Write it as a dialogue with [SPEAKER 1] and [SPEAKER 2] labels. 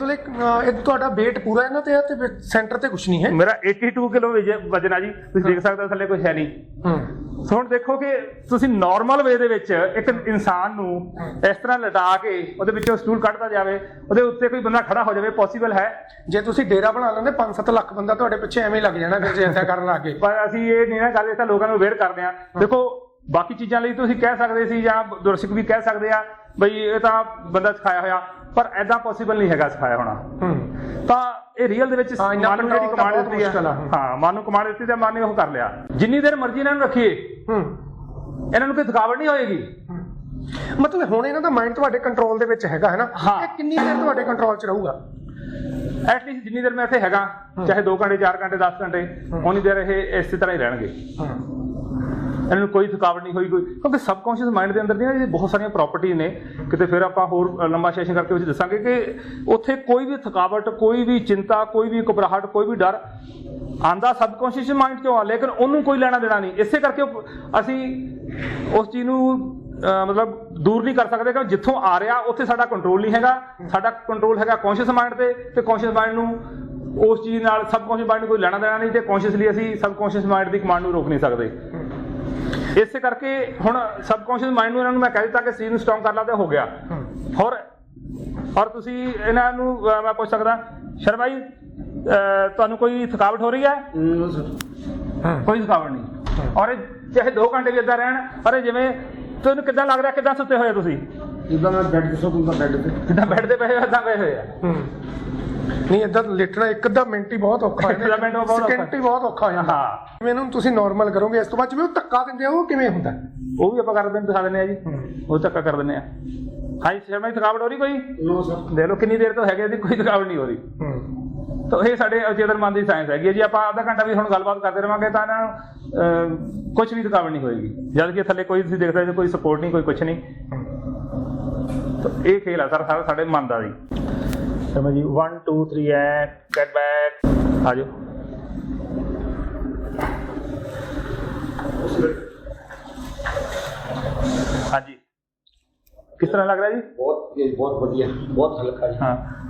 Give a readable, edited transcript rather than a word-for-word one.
[SPEAKER 1] एक ਤੁਹਾਡਾ weight ਪੂਰਾ ਇਹਨਾਂ ਤੇ ਹੈ ਤੇ ਸੈਂਟਰ ਤੇ ਕੁਝ ਨਹੀਂ ਹੈ।
[SPEAKER 2] ਮੇਰਾ 82 ਕਿਲੋ ਵਜਨ ਆ ਜੀ, ਤੁਸੀਂ ਦੇਖ ਸਕਦੇ ਹੋ ਥੱਲੇ ਕੁਝ ਹੈ ਨਹੀਂ। ਸੋ ਹੁਣ ਦੇਖੋ ਕਿ ਤੁਸੀਂ ਨਾਰਮਲ ਵੇ ਦੇ ਵਿੱਚ ਇੱਕ ਇਨਸਾਨ ਨੂੰ ਇਸ ਤਰ੍ਹਾਂ ਲਟਾ ਕੇ ਉਹਦੇ ਵਿੱਚੋਂ ਸਟੂਲ ਕੱਢਦਾ ਜਾਵੇ, ਉਹਦੇ ਉੱਤੇ ਕੋਈ ਬੰਦਾ ਖੜਾ ਹੋ ਜਾਵੇ, ਪੋਸੀਬਲ ਹੈ?
[SPEAKER 1] ਜੇ ਤੁਸੀਂ ਡੇਰਾ ਬਣਾ ਲੈਂਦੇ 5-7 ਲੱਖ ਬੰਦਾ ਤੁਹਾਡੇ ਪਿੱਛੇ ਐਵੇਂ ਹੀ ਲੱਗ ਜਾਣਾ ਫਿਰ ਜੇ ਏਦਾਂ ਕਰਨ ਲੱਗ ਗਏ।
[SPEAKER 2] ਪਰ ਅਸੀਂ ਇਹ ਨਹੀਂ ਨਾ ਗੱਲ, ਇਹ ਤਾਂ ਲੋਕਾਂ ਨੂੰ ਅਵੇਅਰ ਕਰਦੇ ਆ। ਦੇਖੋ ਬਾਕੀ ਚੀਜ਼ਾਂ ਲਈ ਤੁਸੀਂ ਕਹਿ ਸਕਦੇ ਸੀ ਜਾਂ ਦਰਸ਼ਕ ਵੀ ਕਹਿ ਸਕਦੇ ਆ ਬਈ ਇਹ ਤਾਂ ਬੰਦਾ ਸਿਖਾਇਆ ਹੋਇਆ, ਪਰ ਐਦਾਂ ਪੋਸੀਬਲ ਨਹੀਂ ਹੈਗਾ ਸਿਖਾਇਆ ਹੋਣਾ। ਤਾਂ ਇਹ ਰੀਅਲ ਦੇ ਵਿੱਚ ਮਨ ਨੂੰ ਜਿਹੜੀ ਕਮਾਂਡ ਦਿੱਤੀ ਹੈ, ਹਾਂ ਮਨ ਨੂੰ ਕਮਾਂਡ ਦਿੱਤੀ ਤੇ ਮਨ ਨੇ ਉਹ ਕਰ ਲਿਆ। ਜਿੰਨੀ ਦੇਰ ਮਰਜ਼ੀ ਇਹਨਾਂ ਨੂੰ ਰੱਖੀਏ ਇਹਨਾਂ ਨੂੰ ਕੋਈ ਥਕਾਵਟ ਨਹੀਂ ਹੋਏਗੀ।
[SPEAKER 1] ਮਤਲਬ ਹੁਣ ਇਹਨਾਂ ਦਾ ਮਾਈਂਡ ਤੁਹਾਡੇ ਕੰਟਰੋਲ ਦੇ ਵਿੱਚ ਹੈਗਾ ਹੈ ਨਾ, ਇਹ ਕਿੰਨੀ ਦੇਰ ਤੁਹਾਡੇ ਕੰਟਰੋਲ 'ਚ ਰਹੂਗਾ?
[SPEAKER 2] ਐਟਲੀਸਟ ਜਿੰਨੀ ਦੇਰ ਮੈਂ ਇੱਥੇ ਹੈਗਾ, ਚਾਹੇ 2 ਘੰਟੇ 4 ਘੰਟੇ 10 ਘੰਟੇ, ਉਨੀ ਦੇਰ ਇਹ ਇਸੇ ਤਰ੍ਹਾਂ ਹੀ ਰਹਿਣਗੇ। ਇਹਨਾਂ ਨੂੰ ਕੋਈ ਥਕਾਵਟ ਨਹੀਂ ਹੋਈ ਕੋਈ, ਕਿਉਂਕਿ ਸਬਕੌਂਸ਼ੀਅਸ ਮਾਈਂਡ ਦੇ ਅੰਦਰ ਦੀਆਂ ਬਹੁਤ ਸਾਰੀਆਂ ਪ੍ਰੋਪਰਟੀਜ਼ ਨੇ। ਕਿਤੇ ਫਿਰ ਆਪਾਂ ਹੋਰ ਲੰਬਾ ਸੈਸ਼ਨ ਕਰਕੇ ਵਿੱਚ ਦੱਸਾਂਗੇ ਕਿ ਉੱਥੇ ਕੋਈ ਵੀ ਥਕਾਵਟ, ਕੋਈ ਵੀ ਚਿੰਤਾ, ਕੋਈ ਵੀ ਘਬਰਾਹਟ, ਕੋਈ ਵੀ ਡਰ ਆਂਦਾ ਸਬਕੌਂਸ਼ੀਅਸ ਮਾਈਂਡ 'ਚੋਂ ਆ, ਲੇਕਿਨ ਉਹਨੂੰ ਕੋਈ ਲੈਣਾ ਦੇਣਾ ਨਹੀਂ। ਇਸੇ ਕਰਕੇ ਅਸੀਂ ਉਸ ਚੀਜ਼ ਨੂੰ ਮਤਲਬ ਦੂਰ ਨਹੀਂ ਕਰ ਸਕਦੇ ਕਿ ਜਿੱਥੋਂ ਆ ਰਿਹਾ ਉੱਥੇ ਸਾਡਾ ਕੰਟਰੋਲ ਨਹੀਂ ਹੈਗਾ। ਸਾਡਾ ਕੰਟਰੋਲ ਹੈਗਾ ਕੌਂਸ਼ੀਅਸ ਮਾਈਂਡ ਤੇ ਕੌਂਸ਼ੀਅਸ ਮਾਈਂਡ ਨੂੰ ਉਸ ਚੀਜ਼ ਨਾਲ ਸਬਕੌਂਸ਼ੀਅਸ ਮਾਈਂਡ ਨੂੰ ਕੋਈ ਲੈਣਾ ਦੇਣਾ ਨਹੀਂ, ਤੇ ਕੌਂਸ਼ੀਅਸਲੀ ਅਸੀਂ ਸਬਕੌਂਸ਼ੀਅਸ ਮਾਈਂਡ ਦੀ ਕਮਾਂਡ ਨੂੰ ਰੋਕ ਨਹੀਂ ਸਕਦੇ। ਇਸੇ ਕਰਕੇ ਹੁਣ ਸਬਕੌਂਸ਼ੀਅਸ ਮਾਈਂਡ ਨੂੰ ਇਹਨਾਂ ਨੂੰ ਮੈਂ ਕਹਿ ਦਿੱਤਾ ਕਿ ਸਰੀਰ ਨੂੰ ਸਟਰੋਂਗ ਕਰ ਲਾ ਤੇ ਹੋ ਗਿਆ। ਔਰ ਤੁਸੀਂ ਇਹਨਾਂ ਨੂੰ ਮੈਂ ਪੁੱਛ ਸਕਦਾ, ਸ਼ਰਮਾ ਜੀ ਤੁਹਾਨੂੰ ਕੋਈ ਥਕਾਵਟ ਹੋ ਰਹੀ ਹੈ? ਕੋਈ ਥਕਾਵਟ ਨਹੀਂ। ਔਰ ਚਾਹੇ 2 ਘੰਟੇ ਵੀ ਏਦਾਂ ਰਹਿਣ, ਅਰੇ ਜਿਵੇਂ ਤੁਹਾਨੂੰ ਕਿੱਦਾਂ ਲੱਗ ਰਿਹਾ, ਕਿੱਦਾਂ ਸੁੱਤੇ ਹੋਏ ਤੁਸੀਂ?
[SPEAKER 3] ਜਿੱਦਾਂ ਮੈਂ ਬੈੱਡ ਤੇ ਸੁੱਤਾ, ਬੈੱਡ ਤੇ
[SPEAKER 2] ਜਿੱਦਾਂ ਬੈੱਡ ਤੇ ਪਏ ਏਦਾਂ ਪਏ ਹੋਏ ਆ।
[SPEAKER 1] ਨਹੀਂ ਏਦਾਂ ਲੇਟਣਾ ਇੱਕ ਅੱਧਾ ਮਿੰਟ ਹੀ ਬਹੁਤ ਔਖਾ ਹੈ, ਸਕਿੰਟ ਹੀ ਬਹੁਤ ਔਖਾ ਹੋ ਜਾਂਦਾ।
[SPEAKER 2] ਹਾਂ
[SPEAKER 1] ਇਹਨੂੰ ਤੁਸੀਂ ਨਾਰਮਲ ਕਰੋਗੇ, ਇਸ ਤੋਂ ਬਾਅਦ ਜਿਵੇਂ ਉਹ ਧੱਕਾ ਦਿੰਦੇ ਆ ਉਹ ਕਿਵੇਂ ਹੁੰਦਾ?
[SPEAKER 2] ਉਹ ਵੀ ਆਪਾਂ ਕਰ ਦਿਖਾ ਦਿੰਦੇ ਆ ਜੀ, ਉਹ ਧੱਕਾ ਕਰ ਦਿੰਦੇ ਆ। ਹਾਂਜੀ ਸ਼ਰਮਾ ਜੀ ਥਕਾਵਟ ਹੋ ਰਹੀ ਕੋਈ? ਦੇਖ ਲਓ ਕਿੰਨੀ ਦੇਰ ਤੋਂ ਹੈਗੇ ਜੀ, ਕੋਈ ਥਕਾਵਟ ਨਹੀਂ ਹੋ ਰਹੀ। ਤਾਂ ਇਹ ਸਾਡੇ ਅਚੇਤਨ ਮਨ ਦੀ ਸਾਇੰਸ ਹੈਗੀ ਹੈ ਜੀ। ਆਪਾਂ ਅੱਧਾ ਘੰਟਾ ਵੀ ਹੁਣ ਗੱਲਬਾਤ ਕਰਦੇ ਰਹਾਂਗੇ ਤਾਂ ਇਹਨਾਂ ਨੂੰ ਕੁਛ ਵੀ ਥਕਾਵਟ ਨਹੀਂ ਹੋਏਗੀ, ਜਦ ਕਿ ਥੱਲੇ ਕੋਈ ਤੁਸੀਂ ਦੇਖਦੇ ਹੋ ਕੋਈ ਸਪੋਰਟ ਨਹੀਂ, ਕੋਈ ਕੁਛ ਨਹੀਂ। ਤਾਂ ਇਹ ਖੇਲ ਆ ਸਰ ਸਾਰਾ ਸਾਡੇ ਮਨ ਦਾ ਜੀ। ਸਮਝ ਜੀ 1 2 3 ਐ ਗੈਟ ਬੈਕ, ਆ ਜਾਓ। ਹਾਂਜੀ ਕਿਸ ਤਰ੍ਹਾਂ ਲੱਗ ਰਿਹਾ ਜੀ?
[SPEAKER 3] ਬਹੁਤ ਵਧੀਆ, ਬਹੁਤ ਹਲਕਾ ਜੀ।
[SPEAKER 2] ਹਾਂ